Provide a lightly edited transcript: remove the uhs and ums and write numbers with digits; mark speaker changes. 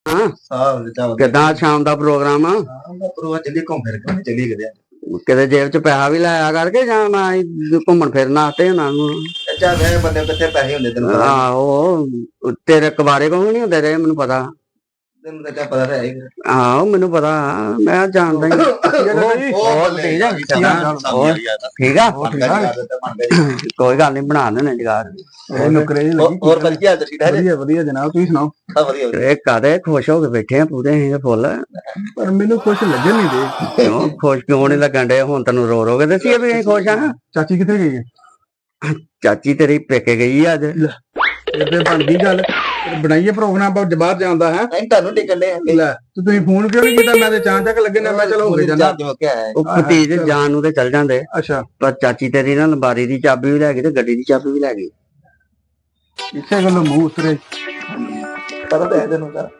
Speaker 1: ਕਿੱਦਾਂ ਸ਼ਾਮ ਦਾ ਪ੍ਰੋਗਰਾਮ ਆ?
Speaker 2: ਚੱਲੀ ਘੁੰਮ ਫਿਰ ਕੇ ਚੱਲੀ ਕਿਤੇ
Speaker 1: ਕਿਤੇ ਜੇਬ ਚ ਪੈਸਾ ਵੀ ਲਾਇਆ ਕਰਕੇ ਜਾਂ ਨਾ ਘੁੰਮਣ ਫਿਰਨ ਵਾਸਤੇ ਉਹਨਾਂ ਨੂੰ?
Speaker 2: ਚਾਚਾ ਵੇ ਬੰਦੇ ਕਿੱਥੇ ਪੈਸੇ ਹੁੰਦੇ ਤੈਨੂੰ ਪਤਾ
Speaker 1: ਆਹੋ ਤੇਰੇ ਕਬਾਰੇ ਕੋਲ ਨਹੀਂ ਹੁੰਦੇ ਰਹੇ ਮੈਨੂੰ ਪਤਾ।
Speaker 2: ਤੈਨੂੰ ਤਾਂ ਪਤਾ ਤਾਂ ਹੈ
Speaker 1: ਆਹੋ ਮੈਨੂੰ ਪਤਾ ਮੈਂ ਜਾਣਦਾ ਹੀ। ਠੀਕ ਆ ਕੋਈ ਗੱਲ ਨੀ ਬਣਾ ਦੇਣੇ ਜਗਾੜ।
Speaker 2: ਹੋਰ ਵਧੀਆ ਤੁਸੀਂ
Speaker 3: ਵਧੀਆ ਜਨਾਬ ਤੁਸੀਂ ਸੁਣਾਓ?
Speaker 1: ਇਹ ਕਾਦੇ ਖੁਸ਼ ਹੋ ਕੇ ਬੈਠੇ ਆ ਪੂਰੇ ਅਸੀਂ ਫੁੱਲ।
Speaker 3: ਪਰ ਮੈਨੂੰ ਖੁਸ਼ ਲੱਗਣ ਨਹੀਂ ਦੇ।
Speaker 1: ਕਿਉਂ ਖੁਸ਼ ਕਿਉਂ ਨੀ ਲੱਗਣ ਡੇ? ਹੁਣ ਤੈਨੂੰ ਰੋ ਰੋ ਕੇ ਦੱਸੀਏ ਵੀ ਅਸੀਂ ਖੁਸ਼ ਆ।
Speaker 3: ਚਾਚੀ ਕਿੱਥੇ ਗਈ ਹੈ?
Speaker 1: ਚਾਚੀ ਤੇਰੀ ਪੇਕੇ ਗਈ ਆ ਅੱਜ।
Speaker 3: ਤੇ ਬਣ ਗਈ ਗੱਲ, ਬਣਾਈਏ ਪ੍ਰੋਗਰਾਮ ਬਾਹਰ ਜਾਣ ਦਾ। ਹੈ
Speaker 2: ਤੁਹਾਨੂੰ ਟਿਕਣ ਦੇ
Speaker 3: ਲੈ ਤੁਸੀਂ ਫੋਨ ਕਿਉਂ ਨਹੀਂ ਕੀਤਾ? ਮੈਂ ਤੇ ਚਾਂ ਚੱਕ ਲੱਗੇ ਨਾ, ਮੈਂ ਚਲੋ ਹੋ ਕੇ ਜਾਣਾ।
Speaker 1: ਉਹ ਭਤੀਜ ਜਾਣ ਨੂੰ ਤੇ ਚੱਲ ਜਾਂਦੇ।
Speaker 3: ਅੱਛਾ
Speaker 1: ਪਰ ਚਾਚੀ ਤੇਰੀ ਨਾ ਲੰਬਾਰੀ ਦੀ ਚਾਬੀ ਵੀ ਲੈ ਗਈ ਤੇ ਗੱਡੀ ਦੀ ਚਾਬੀ ਵੀ ਲੈ ਗਈ।
Speaker 3: ਇਸੇ ਗੱਲੋਂ ਮੂੰਹ ਉਤਰੇ।
Speaker 2: ਪਤਾ ਤਾਂ ਹੈ ਤੈਨੂੰ ਤਾਂ